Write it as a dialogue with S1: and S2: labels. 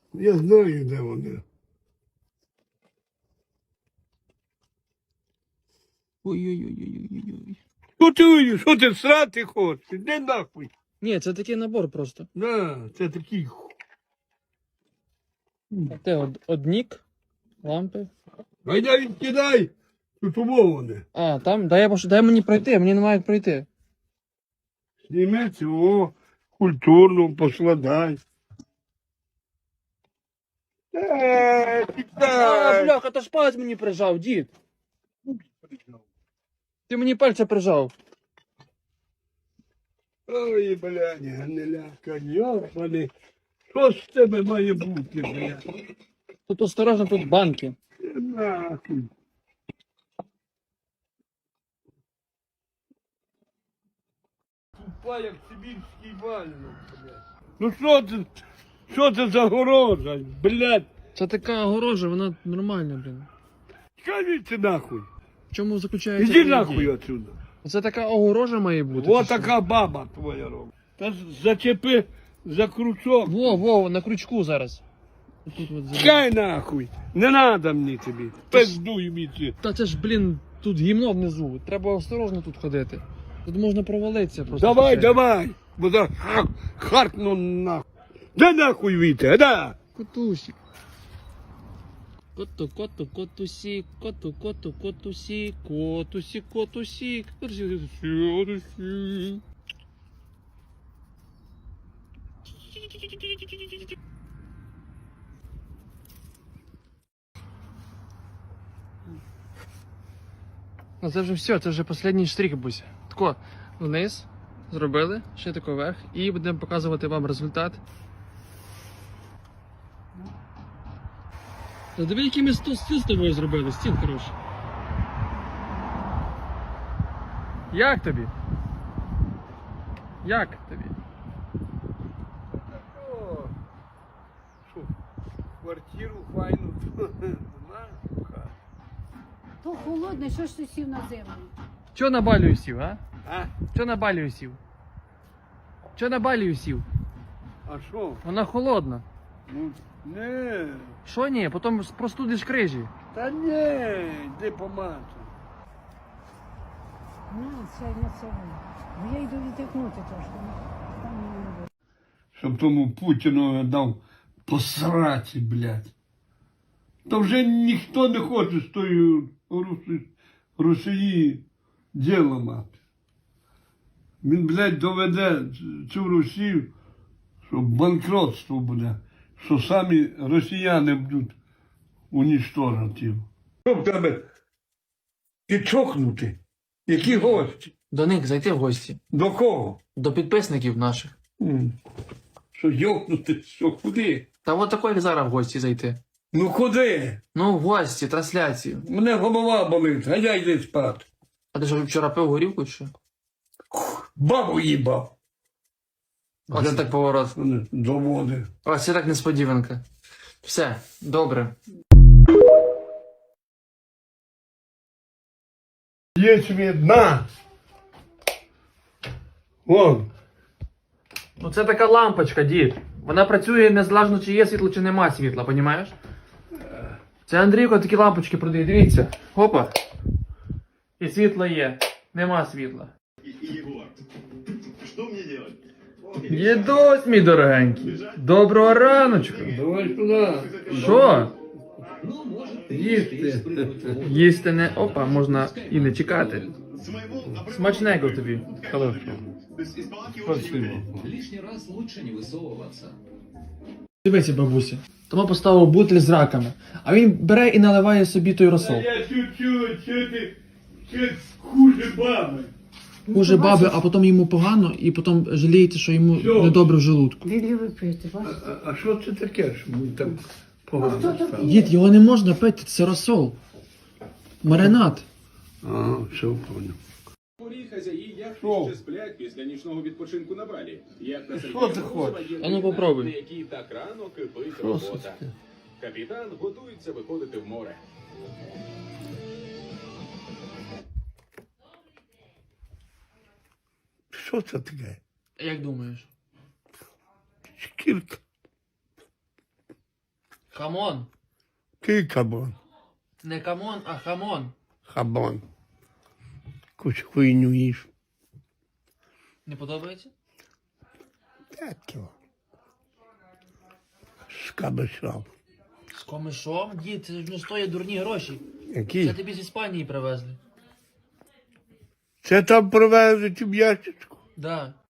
S1: Я знаю, де вони.
S2: Ой-ой-ой-ой-ой-ой.
S1: Що ти срати хочеш? Іди нахуй.
S2: Ні, це такий набор просто.
S1: На, це такий.
S2: Те однік, лампи.
S1: Гайда відкидай. Тут умоване.
S2: А, там, дай мені пройти, мені немає як пройти.
S1: Зніми цього, культурно поскладай.
S2: А,
S1: Кидай.
S2: бляха, то ж палець мені прижав, дід. Ти мені пальця прижав.
S1: Ой, блядь, гниляка, йобаний. Що з тебе має бути, блядь?
S2: Тут осторожно, тут банки.
S1: Нахуй. Тупа, як сибірський вальник, блядь. Ну що це за горожа, блядь?
S2: Це така огорожа, вона нормальна, блін.
S1: Скажіть нахуй.
S2: В чому заключається?
S1: Іди
S2: її
S1: нахуй
S2: дія?
S1: отсюда.
S2: Це така огорожа має бути.
S1: О,
S2: чи що?
S1: така баба твоя робить. Та зачепи за крючок.
S2: Во, на крючку зараз. Тут от зараз.
S1: Чекай нахуй. Не надо мені тобі. Пиздуй мені.
S2: Та це ж, блін, тут гімно внизу. Треба осторожно тут ходити. Тут можна провалитися просто.
S1: Давай. Бо за харкну нахуй. Да нахуй віте, да.
S2: Котусик. Котусик, котусик, котусик. Ну це вже все, це вже останній штрих, Буся. Тако, вниз, зробили, ще тако вверх, і будемо показувати вам результат. Та диви, який ми стіл з тобою зробили, стіл хороший. Як тобі? Як тобі?
S1: О, що, квартиру файну.
S3: То холодне, що ж ти сів на землю?
S2: Чо на балію сів, а?
S1: А?
S2: Чо на балію сів? Чо на балію сів?
S1: А що?
S2: Вона холодна.
S1: Ну, не.
S2: Що ні? Потім простудиш крижі.
S1: Та не, йди помати.
S3: На це. Бо я йду відтихнути трошки. Там мені не буде.
S1: Щоб тому Путіну дав посраті, блядь. То вже ніхто не хоче з тою Росії діло мати. Він, блядь, доведе цю Росію, що банкротство буде, що самі росіяни будуть унічтожити. Що в тебе? Ти чокнути? Які гості?
S2: До них зайти в гості.
S1: До кого?
S2: До підписників наших.
S1: Що йокнути? Що куди?
S2: Та от такої як зараз в гості зайти.
S1: Ну куди?
S2: Ну, в гості, трансляцію.
S1: Мене голова болить, а я йди спати.
S2: А ти що вчора пив горілку чи що?
S1: Бабу їбав.
S2: Оце так поворот.
S1: Доводи.
S2: Ось це так несподіванка. Все, добре.
S1: Є свідна. Вон.
S2: Ну це така лампочка, дід. Вона працює незалежно, чи є світло, чи нема світла, понімаєш? Це Андрійко такі лампочки продає, дивіться. Опа. І світло є. Нема світла.
S4: Егор, что мне делать?
S2: Дідусь, мій дорогенький. Доброго раночку.
S1: Давай сюди.
S2: Що?
S1: Їсти.
S2: Їсти не... Опа, можна і не чекати. Смачненько тобі.
S1: Спасибо.
S5: Лишний раз лучше не высовываться.
S2: Дивися, бабуся. Тому поставив бутиль з раками. А він бере і наливає собі той розсол.
S1: Я чуть-чуть, що ти хуже баби.
S2: Хуже баби, а потім йому погано, і потім жаліється, що йому
S1: Що?
S2: недобре в желудку.
S3: Він любить пити, бачиш?
S1: А що це таке, що ми так погано стало?
S2: Дід, його не можна пити, це розсол. Маринад.
S1: Ага, все, понял.
S6: Порі хазяї яхти
S1: Що?
S6: ще сплять після нічного відпочинку на Балі. Як на
S1: Що ти хочеш?
S2: А ну, попробуй.
S6: на якій так рано кипить
S1: Що це
S6: робота.
S1: таке?
S6: Капітан готується виходити в море.
S1: Що це таке?
S2: Як думаєш?
S1: Шкірка.
S2: Хамон.
S1: Який кабан?
S2: Не камон, а хамон.
S1: Хабан. Якусь хуйню їш.
S2: Не подобається?
S1: 5 кіло. З кабачом.
S2: З комишом? Дід, це ж не стоїть дурні гроші. Це
S1: Які?
S2: тобі з Іспанії привезли.
S1: Це там привезуть у ящичку.
S2: Да.